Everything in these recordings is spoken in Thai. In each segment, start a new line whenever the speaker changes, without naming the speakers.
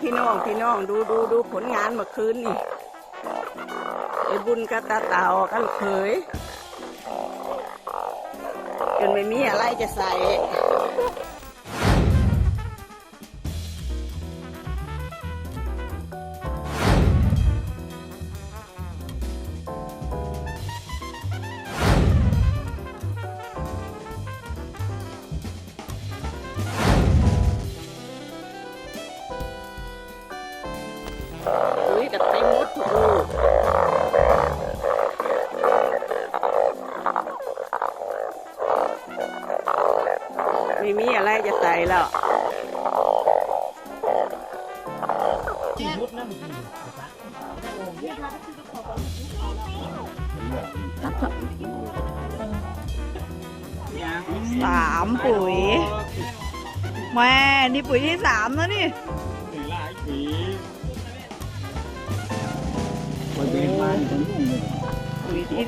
พี่น้องดูผลงานเมื่อคืนนี่ไอ้บุญกับตาเต่ากันเผยจนไม่มีอะไรจะใส่ปุ๋ยกับเต็มหมดทุกลูกไม่มีอะไรจะใส่แล้วปุ๋ยแม่นี่ปุ๋ยที่3แล้วนี่ปุ๋ยที่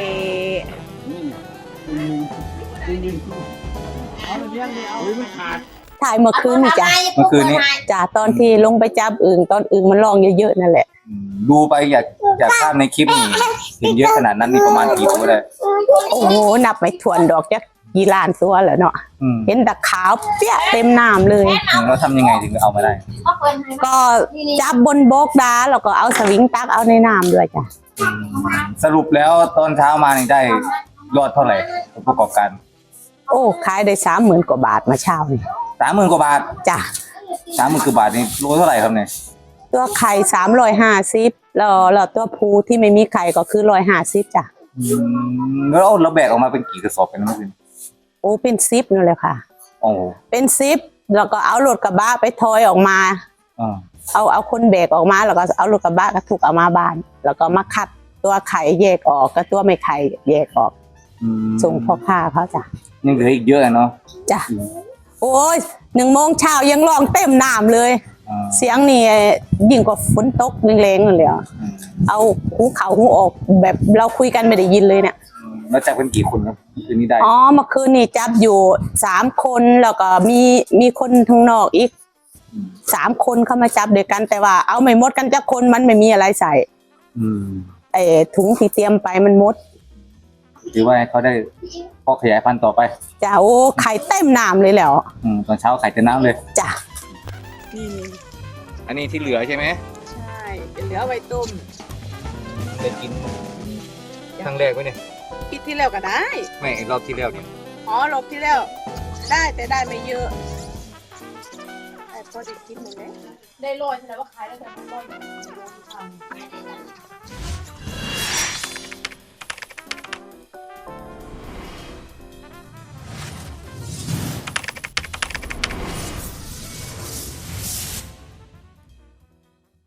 ถ่ายเมื่อคืนนี่จ้ะ
เมื่อคืนนี้
จ้ะตอนที่ลงไปจับอึ่งตอนอึ่งมันร้องเยอะๆนั่นแหละ
ดูไปอยากภาพในคลิปนี่เห็นเยอะขนาดนั้นนี่ประมาณกี่ตัวได้
โอ้โหนับไม่ถ้วนดอกจักกี่ล้านตัวแล้วเนาะเห็นแต่ขาวเปี้ยเต็มน้ำเลย
แล้วทำยังไงถึงเอามาได้
ก็จับบนบกดาแล้วก็เอาสวิงตักเอาในน้ำด้วยจ้ะ
สรุปแล้วตอนเช้ามานี่ได้ยอดเท่าไหร่ประกอบการ
โอ้ขายได้30,000 กว่าบาทมาเช้านี่
30,000 กว่าบาท
จ้ะ
30,000 กว่าบาทนี่โลเท่าไหร่ครับเนี่ย
ตัวไข่350แล้วตัวภูที่ไม่มีไข่ก็คือ150จ้ะ
แล้วเราแบกออกมาเป็นกี่กระสอบกันเมื่อคืน
โอ้เป็น10นั่นเลยค่ะ
โอ้
เป็น10แล้วก็เอารถกระบะไปทอยออกมาเอาคนแบกออกมาแล้วก็เอารถกระบะกระทุกเอามาบ้านแล้วก็มาคัดตัวไข่แยกออกกับตัวไม่ไข่แยกออกส่งพ่อค้าเขาจ้ะ
ยังเหลืออีกเยอะเนาะ
จ้ะโอ้ย1 โมงเช้ายังร้องเต็มน้ำเลยเสียงนี่ยิ่งกว่าฝนตกแรงๆเลยเอาหูเข่าหูออกแบบเราคุยกันไม่ได้ยินเลยเนี่ย
แล้วจับเป็นกี่คนครับคืนนี้ได้
อ๋อเมื่อคืนนี่จับอยู่3 คนแล้วก็มีคนทางนอกอีก3 คนเข้ามาจับด้วยกันแต่ว่าเอาไม่หมดกันจักคนมันไม่มีอะไรใส่ไอ้ถุงที่เตรียมไปมันหมด
หรือว่าเขาได้พอขยายพันธุ์ต่อไป
จ้ะโอ้ไข่เต็มน้ำเลยแล้ว
ตอนเช้าไข่เต็มน้ำเลย
จ้ะนี่
อันนี้ที่เหลือใช่ไหม
ใช่จะเหลือไว้ต้ม
ได้กินครั้งแรกไหมเนี่ย
ปีที่แล้วก็ได้
ไม่รอบที่แล้วเนี่ย
อ๋อรอบที่แล้วได้แต่ได้ไม่เยอะแต่พอได้กินหมดเลย
ได้โรยแสดงว่าขายได้แต่ไม่โรยทำ